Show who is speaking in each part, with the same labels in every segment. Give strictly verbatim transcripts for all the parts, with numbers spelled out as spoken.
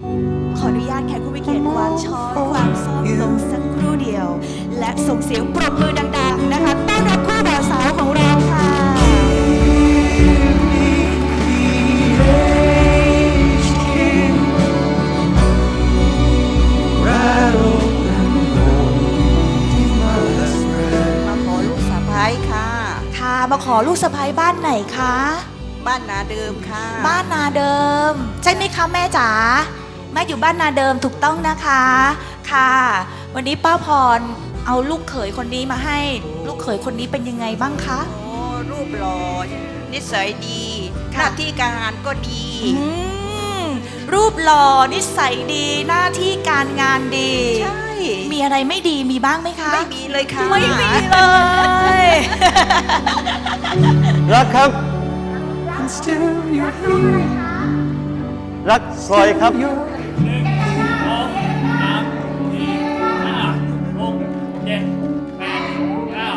Speaker 1: ขออนุญาตแขกผู้มีเกียรติวางช้อนวางซ่อมลงสักครู่เดียว และส่งเสียงปรบมือดังๆนะคะต้อนรับคู่บ่าวสาวของเราค่ะ
Speaker 2: มาขอลูกสะใภ้ค่ะ
Speaker 1: ค่ะมาขอลูกสะใภ้บ้านไหนคะ
Speaker 2: บ้านนาเดิมค่ะ
Speaker 1: บ้านนาเดิมใช่ไหมคะแม่จ๋าแม่อยู่บ้านนาเดิมถูกต้องนะคะค่ะ วันนี้ป้าพรเอาลูกเขยคนนี้มาให้ลูกเขยคนนี้เป็นยังไงบ้างคะ
Speaker 2: โอ้รูปหล่อนิสัยดีห
Speaker 1: ค่ะ
Speaker 2: น้าที่การงานก็ดี
Speaker 1: อืมรูปหล่อนิสัยดีหน้าที่การงานดี
Speaker 2: ใช่
Speaker 1: มีอะไรไม่ดีมีบ้างไหมคะ
Speaker 2: ไม่มีเลยค่ะ
Speaker 1: ไม่มีเลย
Speaker 3: รักครับ รักพลอยครับ
Speaker 4: หนึ่งสองสามสี่ห้าหกเจ็ดแปดเก้า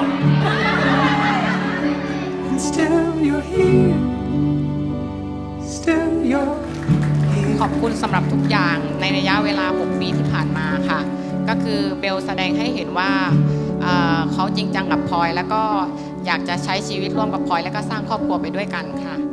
Speaker 5: Still you're here. Still you're
Speaker 6: ขอบคุณสำหรับทุกอย่างในระยะเวลา หก ปีที่ผ่านมาค่ะ ก็คือเบลแสดงให้เห็นว่าเอ่อเขาจริงจังกับพลอย แล้วก็อยากจะใช้ชีวิตร่วมกับพลอย แล้วก็สร้างครอบครัวไปด้วยกันค่ะ